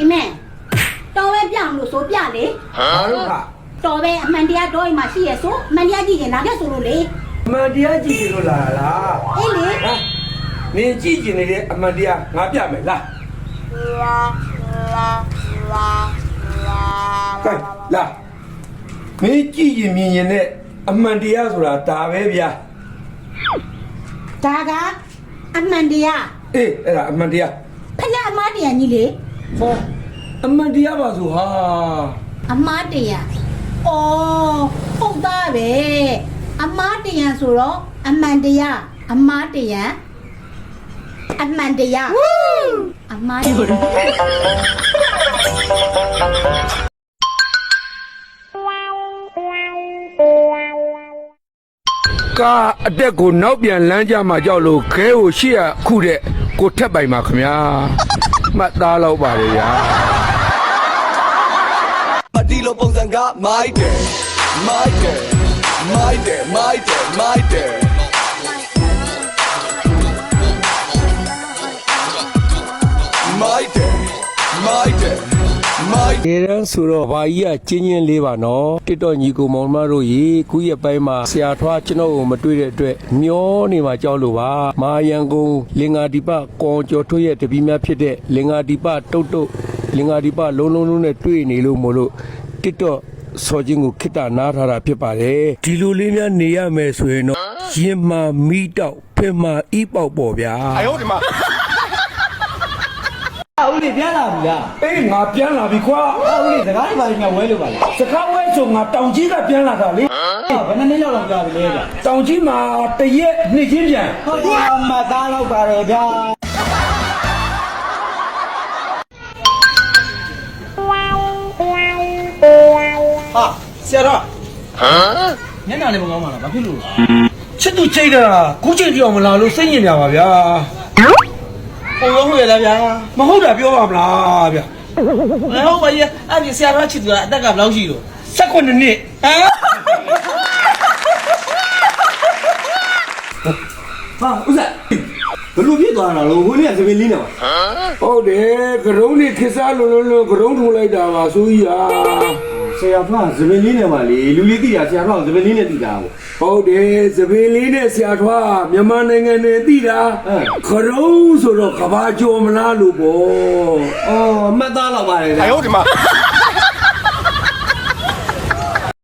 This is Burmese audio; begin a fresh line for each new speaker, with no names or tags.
အမေတော်ပဲပြမလို့ဆိုပြလေ
ဘာလို့ခ
တော်ပဲအမှန်တရားတော်အိမ်မှာရှိရဆိုအမှန်တရားကြည့်ရင်လာပြဆိုလို့လေ
အမှန်တရားကြည့်ကြလို့လာလား
အေးလေ
ဟာမင်းကြည့်ကျင်နေတဲ့အမှန်တရားငါပြမယ်လားကဲလာမင်းကြည့်ကျင်မြင်ရင်နဲ့အမှန်တရားဆိုတာဒါပဲဗျာ
ဒါကအမှန်တရား
အေးအဲ့ဒါအမှန်တရား
ဖခင်အမားတရားကြီးလေ
ဟောအမှန်တရားပါဆိုဟာ
အမားတရားအော်ဟုတ်သားပဲအမားတရားဆိုတော့အမှန်တရားအမားတရားအမှန်တရားအမားတရား
ကားအတက်ကိုနောက်ပြန်လမ်းကြမှာကြောက်လို့ခဲကိုရှေ့ရခုတဲ့ကိုထက်ပိုင်ပါခင်ဗျာမှတ်သားတော့ပါလေဗျာ
မတီလိုပုံစံကမိုက်တယ်မိုက်တယ်မိုက်တယ်မိုက်တယ်မိုက်တယ်မိုက်တယ်မိုက်တယ်မိုက်
ဒီရန်ဆိုတော့ဘာကြီးကကျင်းချင်းလေးပါနော်တစ်တော့ညီကိုမောင်မတို့ရေခုရက်ပိုင်းမှာဆရာထွားကျွန်တော်ကိုမတွေ့တဲ့အတွက်မျောနေမှာကြောက်လို့ပါမာယံကုန်းလင်္ကာဒီပကောကျော်ထွေးရဲ့တပီးများဖြစ်တဲ့လင်္ကာဒီပတုတ်တုတ်လင်္ကာဒီပလုံးလုံးလုံးနဲ့တွေ့နေလို့မို့လို့တစ်တော့စော်ချင်းကိုခိတ္တနားထားတာဖြစ်ပါတယ်ဒီလိုလေးများနေရမယ်ဆိုရင်တော့ရင်မာမီတောက်ဖင်မာဤပေါက်ပေါ့ဗျာ
哎呦我的妈！
ဦးလေးပြန်လာပြီလား
အေးငါပြန်လာပြီခွာ
ဦးလေးစကားတွေပါရင်ငါဝဲလို့ပါလား
စကားဝဲဆိုငါတောင်ကြီးကပြန်လာတာလေ
ဘယ်နှစ်နှစ်လောက်လောက်ကြာပြီလဲဗျ
တောင်ကြီးမှာတရက်နှစ်ချင်းပြန်
ဟုတ်တယ်အမသားလောက်ပါတယ်ဗျာ
ဟာဆရာတော်
ညနာလည်းမကောင်းပါလားဘာဖြစ်လို့
ချစ်သူချိတ်တာခုချိန်ပြောင်းမလာလို့စိတ်ညစ်နေပါဗျာဟုတ်ရောဟုတ်ရလားဗျာမဟုတ်တာပြောပါမလားဗျာ
မဟုတ်ပါရဲ့အဲ့ဒီဆရာတော်ချစ်သူကအသက်ကဘယ်လောက်ရှိလို့
18နှစ်ဟမ်
ဟာဦးစားဘယ်လိုဖြစ်သွားတာလို့ဟိုနေ့ကသမီးလေးနေပါ
ဟုတ်တယ်ကရုံးနေခစ်စားလို့ကရုံးထုံလိုက်တာပါဆိုကြီးဟာ
ဆရာဖောင်းသမီးလေးနေပါလေလူလေးသိတာဆရာဖောင်းသမီးလေးနဲ့သိတာပေါ့
ဟုတ်တယ်သပင်လေးနဲ့ဆရာထွားမြန်မာနိုင်ငံနဲ့သိတာကရုံးဆိုတော့ကဘာကျော်မလားလို့ပေါ့
အော်အမသားလောက်ပါတယ်ဗျာ
哎呦我的妈！